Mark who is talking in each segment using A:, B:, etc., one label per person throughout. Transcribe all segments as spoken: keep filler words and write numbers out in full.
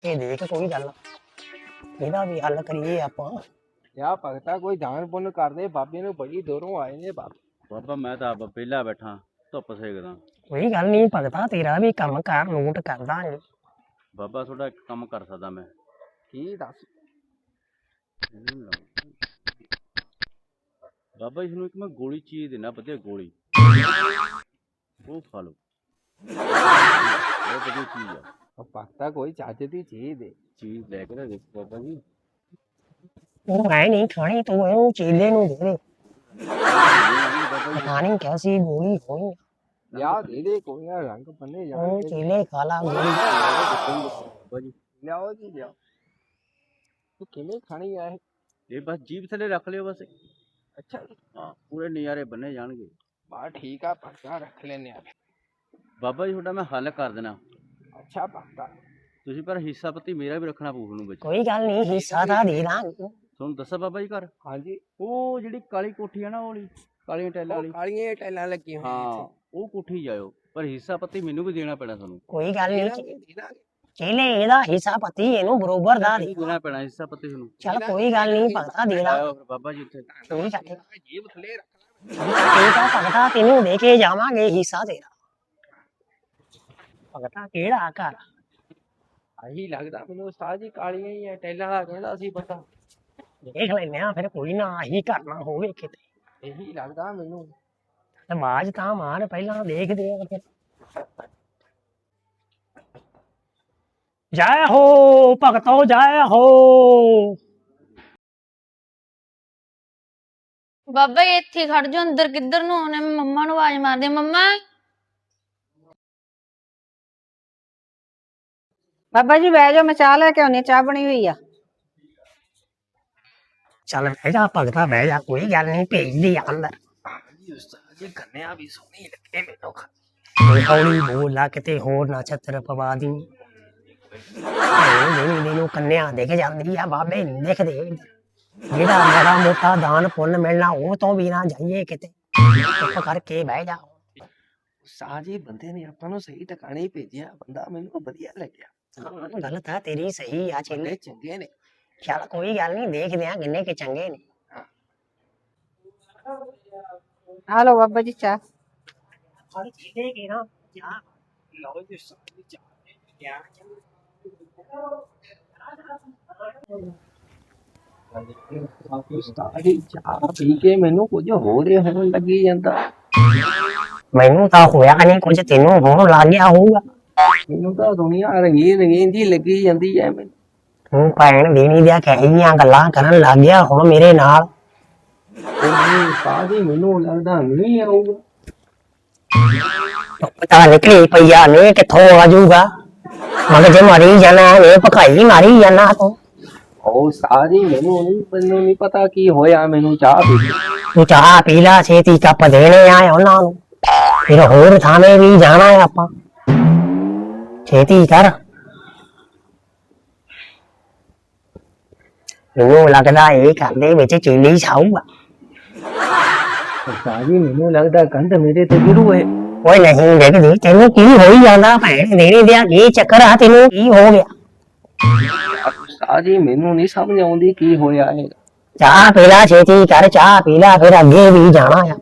A: ਇਹ ਦੇਖ ਕੋਈ ਗੱਲ ਇਹਦਾ ਵੀ ਹੱਲ ਕਰੀਏ ਆਪਾਂ।
B: ਯਾ ਭਗਤਾ ਕੋਈ ਦਾਨ ਪੁੰਨ ਕਰਦੇ, ਬਾਬੇ ਨੂੰ ਬੜੀ ਦੂਰੋਂ ਆਏ ਨੇ ਬਾਬੇ।
C: ਬਾਬਾ ਮੈਂ ਤਾਂ ਆਪ ਵਿਹਲਾ ਬੈਠਾ ਧੁੱਪ ਸੇਕਦਾ।
A: ਕੋਈ ਗੱਲ ਨਹੀਂ ਭਗਤਾ, ਤੇਰਾ ਵੀ ਕੰਮ ਕਾਰ ਨੋਟ ਕਰ ਦਾਂਗੇ।
C: ਬਾਬਾ ਤੁਹਾਡਾ ਇੱਕ ਕੰਮ ਕਰ ਸਕਦਾ ਮੈਂ।
B: ਕੀ ਦੱਸ?
C: ਬਾਬਾ ਜੀ ਨੂੰ ਇੱਕ ਮੈਂ ਗੋਲੀ ਚੀਜ਼ ਦੇਣਾ, ਵਧੀਆ ਗੋਲੀ, ਉਹ ਖਾ ਲਓ, ਬਹੁਤ ਵਧੀਆ ਚੀਜ਼ ਆ।
B: ਭਗਤਾ ਕੋਈ ਚੱਜ ਦੀ ਚੀਜ਼ ਦੇ।
C: ਚੀਜ਼ ਲੈ ਕੇ ਨਾ ਦੇਖੋ ਬਾਬਾ ਜੀ।
A: ਉਹ ਮੈਂ ਨਹੀਂ ਖਾਣੀ, ਤੂੰ ਇਹਨੂੰ ਚੇਲੇ ਨੂੰ ਦੇ ਦੇ। ਪਤਾ ਨਹੀਂ ਕੈਸੀ ਗੋਲੀ ਹੋਣੀ।
B: ਯਾ ਦੇ ਦੇ ਕੋਈ ਨਾ, ਰੰਗ ਬੰਨੇ ਜਾ।
A: ਉਹ ਚੇਲੇ ਖਾ ਲਾ ਗੋਲੀ।
C: ਬਾਬਾ ਜੀ
B: ਲਿਆਓ ਜੀ ਲਿਆਓ। ਤੂੰ ਕਿਵੇਂ ਖਾਣੀ ਆ ਇਹ?
C: ਇਹ ਬਸ ਜੀਭ ਥੱਲੇ ਰੱਖ ਲਿਓ ਬਸ।
B: ਅੱਛਾ
C: ਹਾਂ, ਪੂਰੇ ਨਜ਼ਾਰੇ ਬੰਨੇ ਜਾਣਗੇ।
B: ਬਾ ਠੀਕ ਆ ਭਗਤਾ, ਰੱਖ ਲੈਨੇ ਆ।
C: ਬਾਬਾ ਜੀ ਤੁਹਾਡਾ ਮੈਂ ਹੱਲ ਕਰ ਦੇਣਾ।
B: ਅੱਛਾ ਭਗਤਾ,
C: ਤੁਸੀਂ ਪਰ ਹਿੱਸਾ ਪੱਤੀ ਮੇਰਾ ਵੀ ਰੱਖਣਾ ਪਊ ਤੁਹਾਨੂੰ ਵਿੱਚ।
A: ਕੋਈ ਗੱਲ ਨਹੀਂ, ਹਿੱਸਾ ਤਾਂ ਦੇ ਦਾਂਗੇ।
C: ਤੁਹਾਨੂੰ ਦੱਸਾਂ ਬਾਬਾ ਜੀ ਘਰ,
B: ਹਾਂਜੀ
C: ਉਹ ਜਿਹੜੀ ਕਾਲੀ ਕੋਠੀ ਆ ਨਾ, ਉਹ ਵਾਲੀ ਕਾਲੀਆਂ ਟੈਲਾਂ ਵਾਲੀ,
B: ਕਾਲੀਆਂ ਟੈਲਾਂ ਲੱਗੀਆਂ
C: ਹਾਂ ਉਹ ਕੋਠੀ ਜਾਇਓ, ਪਰ ਹਿੱਸਾ ਪੱਤੀ ਮੈਨੂੰ ਵੀ ਦੇਣਾ ਪੈਣਾ ਤੁਹਾਨੂੰ।
A: ਕੋਈ ਗੱਲ ਨਹੀਂ,
B: ਹੋਈਆਂ।
A: ਚੇਲੇ ਇਹਦਾ ਹਿੱਸਾ ਪਤੀ ਇਹਨੂੰ ਬਰੋਬਰ ਦਾ ਦੇ।
C: ਦੇਣਾ ਪੈਣਾ ਹਿੱਸਾ ਪੱਤੀ ਤੁਹਾਨੂੰ।
A: ਚੱਲ ਕੋਈ ਗੱਲ ਨਹੀਂ ਭਗਤਾ, ਦੇ ਦਾਂ।
C: ਆਇਓ ਫਿਰ ਬਾਬਾ ਜੀ ਉੱਥੇ।
A: ਠੀਕ ਆ ਠੀਕ
B: ਜੀਬ ਥੱਲੇ ਰੱਖ
A: ਠੀਕ ਆ ਭਗਤਾ, ਤੈਨੂੰ ਦੇ ਕੇ ਜਾਵਾਂਗੇ ਹਿੱਸਾ ਤੇਰਾ। ਭਗਤਾ ਕਿਹੜਾ ਘਰ?
B: ਆਹੀ ਲੱਗਦਾ ਮੈਨੂੰ ਉਸਤਾਦ ਜੀ, ਕਾਲੀਆਂ ਹੀ ਆ ਟੈਲਾਂ ਦਾ ਕਹਿੰਦਾ ਸੀ ਪਤਾ।
A: ਦੇਖ ਲੈਨੇ ਆ ਫਿਰ, ਕੋਈ ਨਾ ਆਹੀ ਕਰਨਾ ਹੋਵੇ ਕਿਤੇ।
B: ਇਹੀ ਲੱਗਦਾ ਮੈਨੂੰ।
A: ਆਵਾਜ਼ ਤਾਂ ਮਾਰ, ਪਹਿਲਾਂ ਦੇਖਦੇ ਆ ਫਿਰ। ਜੈ ਹੋ ਭਗਤੋ, ਜੈ ਹੋ।
D: ਬਾਬਾ ਜੀ ਇੱਥੇ ਹੀ ਖੜ ਜਾ, ਅੰਦਰ ਕਿੱਧਰ ਨੂੰ ਆਉਣੇ? ਮੈਂ ਮੰਮਾ ਨੂੰ ਆਵਾਜ਼ ਮਾਰਦੀ। ਮੰਮਾ
E: ਬਾਬਾ ਜੀ ਬਹਿ ਜਾਓ, ਮੈਂ ਚਾਹ ਲੈ ਕੇ ਆਉਣੀ, ਚਾਹ ਬਣੀ ਹੋਈ ਆ।
A: ਚੱਲ ਬਹਿ ਜਾ ਭਗਤਾ, ਬਹਿ ਜਾ, ਕੋਈ ਗੱਲ ਨਹੀਂ, ਭੇਜਦੀ ਆ ਅੰਦਰ।
B: ਉਸਤਾਦ ਜੀ ਕੰਨਿਆ ਵੀ ਸੋਹਣੀ ਲੱਗੇ ਮੈਨੂੰ।
A: ਕੋਈ ਹੌਲੀ ਬੋਲਾ, ਕਿਤੇ ਹੋਰ ਨਾ ਛੱਤਰ ਪਵਾ ਦੀ। ਦੇਣੀ ਦੇਨੂੰ ਕੰਨਿਆ ਦਿਖ ਜਾਂਦੀ ਆ, ਬਾਬੇ ਨਹੀਂ ਦਿਖਦੇ। ਜਿਹੜਾ ਮਾੜਾ ਮੋਟਾ ਦਾਨ ਪੁੰਨ ਮਿਲਣਾ, ਉਹ ਤੋਂ ਵੀ ਨਾ ਜਾਈਏ ਕਿਤੇ। ਚੁੱਪ ਕਰਕੇ ਬਹਿ ਜਾ।
B: ਉਸਤਾਦ ਜੀ ਬੰਦੇ ਨੇ ਆਪਾਂ ਨੂੰ ਸਹੀ ਟਿਕਾਣੇ ਹੀ ਭੇਜਿਆ, ਬੰਦਾ ਮੈਨੂੰ ਵਧੀਆ ਲੱਗਿਆ।
A: ਹਾਂ, ਗੱਲ ਤਾਂ ਤੇਰੀ ਸਹੀ ਆ ਚੇਲੇ।
B: ਬੰਦੇ ਚੰਗੇ ਨੇ।
A: ਚੱਲ ਕੋਈ ਗੱਲ ਨਹੀਂ, ਦੇਖਦੇ ਆ ਕਿੰਨੇ ਕੇ ਚੰਗੇ ਨੇ।
E: ਆ ਲਓ ਬਾਬਾ ਜੀ ਚਾਹ।
A: ਹਰ ਚੀਜ਼ੇ ਕੀ ਨਾ ਜਾ
B: ਲਓ ਜੀ ਉਸਤਾਦ ਜੀ ਚਾਹ। ਉਸਤਾਦ ਜੀ ਚਾਹ ਪੀ ਕੇ ਮੈਨੂੰ ਕੁਝ ਹੋਰ ਹੀ ਹੋਣ ਲੱਗੀ ਜਾਂਦਾ।
A: ਮੈਨੂੰ ਤਾਂ ਹੋਇਆ ਨਹੀਂ ਕੁਝ, ਤੈਨੂੰ ਹੋਣ ਲੱਗ ਗਿਆ ਹੋਊਗਾ।
B: ਮੈਨੂੰ ਤਾਂ ਦੁਨੀਆ ਰੰਗੀਨ ਰੰਗੀਨ ਜੀ ਲੱਗੀ ਜਾਂਦੀ ਹੈ ਮੈਨੂੰ।
A: ਤੂੰ ਭੈਣ ਦੇਣੀ ਦੀਆਂ ਕਹੀਆਂ ਗੱਲਾਂ ਕਰਨ ਲੱਗ ਗਿਆ ਹੁਣ ਮੇਰੇ ਨਾਲ।
B: ਉਸਤਾਦ ਜੀ ਮੈਨੂੰ ਲੱਗਦਾ ਨਹੀਂ ਆਊਗਾ।
A: ਪਤਾ ਨਿਕਲੀ ਪਈਆ ਨੇ, ਕਿੱਥੋਂ ਆ ਜਾਊਗਾ? ਮਗਰ ਜੇ ਮਾਰੀ ਜਾਣਾ, ਇਹ ਭਕਾਈ ਮਾਰੀ ਜਾਣਾ ਤੂੰ।
B: ਉਹ ਉਸਤਾਦ ਜੀ ਮੈਨੂੰ ਨਹੀਂ ਮੈਨੂੰ ਨਹੀਂ ਪਤਾ ਕੀ ਹੋਇਆ, ਮੈਨੂੰ ਚਾਹ ਪੀ।
A: ਤੂੰ ਚਾਹ ਪੀ ਲਾ, ਛੇਤੀ ਕੱਪ ਦੇਣੇ ਆ ਉਹਨਾਂ ਨੂੰ, ਫਿਰ ਹੋਰ ਥਾਵੇਂ ਵੀ ਜਾਣਾ ਹੈ ਆਪਾਂ। ਛੇਤੀ ਕਰ। ਮੈਨੂੰ ਲੱਗਦਾ ਇਹ ਘਰ ਦੇ ਵਿੱਚ ਚੀਲੀ ਛਾਊਗਾ।
B: ਉਸਤਾਦ ਜੀ ਮੈਨੂੰ ਲੱਗਦਾ ਕੰਧ ਮੇਰੇ ਤੇ ਗਿਰੂ ਹੈ।
A: ਓਏ ਨਹੀਂ ਦੇਖਦੀ, ਤੈਨੂੰ ਕੀ ਹੋਈ ਜਾਂਦਾ? ਭੈਣ ਦੇਣੀ ਦਿਆ ਕੀ ਚੱਕਰ ਆ? ਤੈਨੂੰ ਕੀ ਹੋ ਗਿਆ?
B: ਉਸਤਾਦ ਜੀ ਮੈਨੂੰ ਨਹੀਂ ਸਮਝ ਆਉਂਦੀ ਕੀ ਹੋਇਆ ਹੈ।
A: ਚਾਹ ਪੀ ਲਾ, ਛੇਤੀ ਕਰ, ਚਾਹ ਪੀ ਲਾ, ਫਿਰ ਅੱਗੇ ਵੀ ਜਾਣਾ ਆ।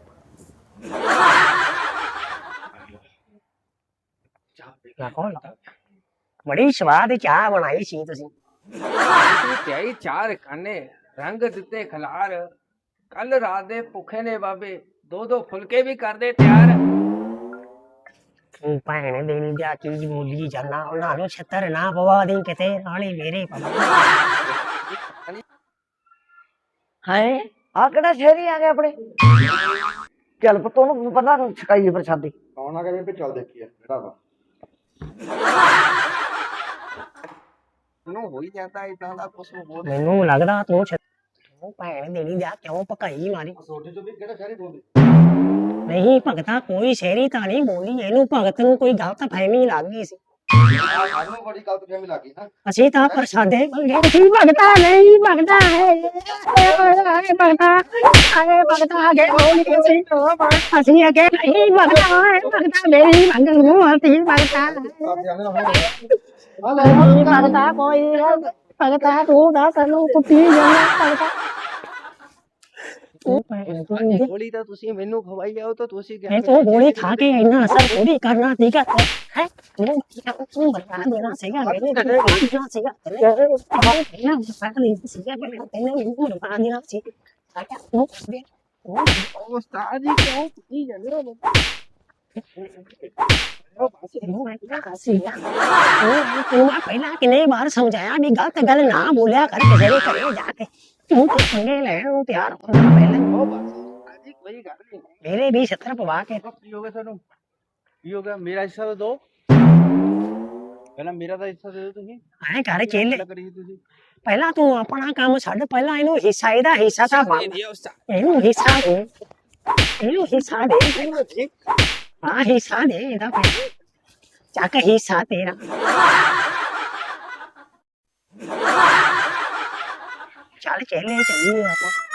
A: ਬੜੀ ਸਵਾਦ ਚਾਹ ਬਣਾਈ ਸੀ ਤੁਸੀਂ।
B: ਤਿਆਈ ਚਾਰ ਖਾਨੇ, ਰੰਗ ਦਿੱਤੇ ਖਲਾਰ। ਕੱਲ ਰਾਤ ਦੇ ਭੁੱਖੇ ਨੇ ਬਾਬੇ, ਦੋ ਦੋ ਫੁਲਕੇ ਵੀ ਕਰਦੇ ਤਿਆਰ।
A: ਤੂੰ ਭੈਣ ਦੇਣੀ ਦਿਆ ਕੀ ਬੋਲੀ ਜਾਣਾ? ਉਹਨਾਂ ਨੂੰ ਛੱਤਰ ਨਾ ਪਵਾ ਦੇ ਕਿਤੇ, ਨਾਲੇ ਮੇਰੇ ਪਵਾ।
E: ਹਾਏ ਆ ਕਿਹੜਾ ਸ਼ਹਿਰੀ ਆ ਗਿਆ ਆਪਣੇ? ਚੱਲ ਪੁੱਤ ਉਹਨੂੰ ਪਤਾ ਛਕਾਈਏ ਪ੍ਰਸ਼ਾਦੀ।
F: ਕੌਣ ਆ ਗਿਆ ਬੇਬੇ? ਚੱਲ ਦੇਖੀਏ ਜਿਹੜਾ ਵਾ।
B: ਨੂੰ ਹੋਈ ਜਾਂਦਾ ਇਦਾਂ ਦਾ ਕੁਛ ਹੋਰ।
A: ਮੈਨੂੰ ਲੱਗਦਾ ਤੂੰ ਛ- ਤੂੰ ਭੈਣ ਦੇਣੀ ਦਿਆ ਕਿਉਂ ਭਕਾਈ ਮਾਰੀ?
F: ਸੋਡੇ ਚੋਂ ਵੀ ਕਿਹੜਾ ਸ਼ਹਿਰੀ ਬੋਲਦੇ?
A: ਨਹੀਂ ਭਗਤਾ, ਕੋਈ ਸ਼ਹਿਰੀ ਤਾਂ ਨਹੀਂ ਬੋਲੀ, ਇਹਨੂੰ ਭਗਤ ਨੂੰ ਕੋਈ ਗਲਤ ਫਹਿਮੀ ਲੱਗ ਗਈ ਸੀ।
F: ਸਾਨੂੰ ਬੜੀ ਗਲਤ ਫਹਿਮੀ ਲੱਗੀ ਨਾ
A: ਅਸੀਂ ਤਾਂ ਪ੍ਰਸਾਦੇ ਮੰਗੇ ਸੀ ਭਗਤਾ ਨਹੀਂ ਭਗਤਾ ਹੈ ਆਏ ਭਗਤਾ ਆਏ ਭਗਤਾ ਅਗੇ ਬੋਲੀ ਸੀ ਅਸੀਂ ਅਗੇ ਨਹੀਂ ਭਗਤਾ ਹੈ ਭਗਤਾ ਮੇਰੀ ਮੰਗ ਨੂੰ ਅਸੀਂ ਭਗਤਾ ਨਹੀਂ ਭਗਤਾ ਕੋਈ ਭਗਤਾ ਤੂੰ ਦਾ ਸਾਨੂੰ ਕੁੱਤੀ ਜਾਣਾ ਭਗਤਾ
B: ਗੋਲੀ ਤਾਂ ਤੁਸੀਂ ਮੈਨੂੰ ਖਵਾਈ ਜਾਓ ਤਾਂ ਤੁਸੀਂ
A: ਇਹ ਤੂੰ ਗੋਲੀ ਖਾ ਕੇ ਇੰਨਾ ਅਸਰ ਥੋੜੀ ਕਰਨਾ ਸੀਗਾ ਹੈ ਤੂੰ ਤੂੰ ਬਤਾ ਦੇਣਾ ਸੀਗਾ ਮੇਰੇ ਤੇ ਦੇਣਾ ਸੀਗਾ ਇਹਨਾਂ ਪਤਾ ਨਹੀਂ ਸੀਗਾ ਮੈਂ ਤੈਨੂੰ ਮੈਨੂੰ ਬਤਾ ਦੇਣਾ ਸੀ ਆਇਆ ਤੂੰ ਦੇ
B: ਉਹ ਉਸਤਾਦ ਜੀ ਕਿਉਂ ਕੀ ਜਾਂਦੇ ਹੋ
A: ਤੂੰ ਪਹਿਲਾਂ ਕਿੰਨੇ ਵਾਰ ਸਮਝਾਇਆ ਵੀ ਗਲਤ ਗੱਲ ਨਾ ਬੋਲਿਆ ਕਰ ਕਿਸੇ ਦੇ ਘਰੇ ਜਾ ਕੇ ਤੂੰ ਤੇ ਪੰਗੇ ਲੈਣ ਨੂੰ ਤਿਆਰ ਹੋਣਾ ਪਹਿਲਾਂ
B: ਉਹ ਬਸ ਉਸਤਾਦ ਜੀ ਕੋਈ ਗੱਲ ਨਹੀਂ
A: ਮੇਰੇ ਵੀ ਛੱਤਰ ਪਵਾ ਕੇ
C: ਕੀ ਹੋ ਗਿਆ ਤੁਹਾਨੂੰ ਕੀ ਹੋ ਗਿਆ ਮੇਰਾ ਹਿੱਸਾ ਤਾਂ ਦਿਓ ਪਹਿਲਾਂ ਮੇਰਾ ਤਾਂ ਹਿੱਸਾ ਦੇ ਦਿਓ ਤੁਸੀਂ
A: ਐ ਕਰ ਚੇਲੇ
C: ਗੱਲ ਕਰੀ ਤੁਸੀਂ
A: ਪਹਿਲਾਂ ਤੂੰ ਆਪਣਾ ਕੰਮ ਛੱਡ ਪਹਿਲਾਂ ਇਹਨੂੰ ਹਿੱਸਾ ਇਹਦਾ ਹਿੱਸਾ ਤਾਂ ਪਾ ਇਹਨੂੰ ਹਿੱਸਾ ਦੇ ਇਹਨੂੰ ਹਿੱਸਾ ਦੇ ਹਾਂ ਹਿੱਸਾ ਦੇ ਇਹਦਾ ਪਹਿਲਾਂ ਚੱਕ ਹਿੱਸਾ ਤੇਰਾ ਚੱਲ ਚੇਲੇ ਚੱਲੀਏ ਆਪਾਂ